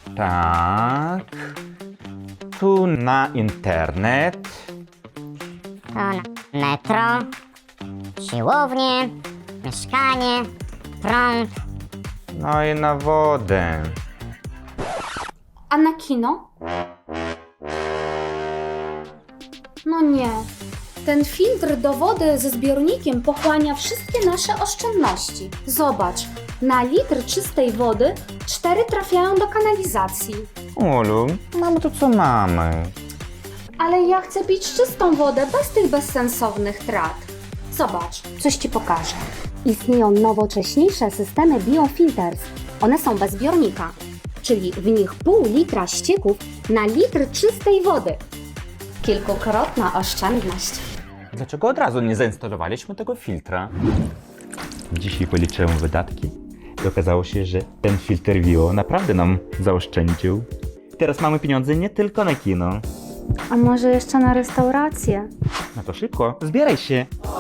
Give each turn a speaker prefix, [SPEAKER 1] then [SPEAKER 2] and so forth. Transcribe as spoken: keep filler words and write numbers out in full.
[SPEAKER 1] Tak. Tu na internet.
[SPEAKER 2] To na metro, siłownię, mieszkanie, prąd.
[SPEAKER 1] No i na wodę.
[SPEAKER 3] A na kino? No nie. Ten filtr do wody ze zbiornikiem pochłania wszystkie nasze oszczędności. Zobacz, na litr czystej wody cztery trafiają do kanalizacji.
[SPEAKER 1] Ulu, mamy to co mamy.
[SPEAKER 3] Ale ja chcę pić czystą wodę bez tych bezsensownych trat. Zobacz, coś Ci pokażę. Istnieją nowocześniejsze systemy biofilters. One są bez zbiornika, czyli w nich pół litra ścieków na litr czystej wody. Kilkukrotna oszczędność.
[SPEAKER 1] Dlaczego od razu nie zainstalowaliśmy tego filtra? Dzisiaj policzyłem wydatki i okazało się, że ten filtr Vio naprawdę nam zaoszczędził. Teraz mamy pieniądze nie tylko na kino.
[SPEAKER 3] A może jeszcze na restaurację?
[SPEAKER 1] No to szybko, zbieraj się.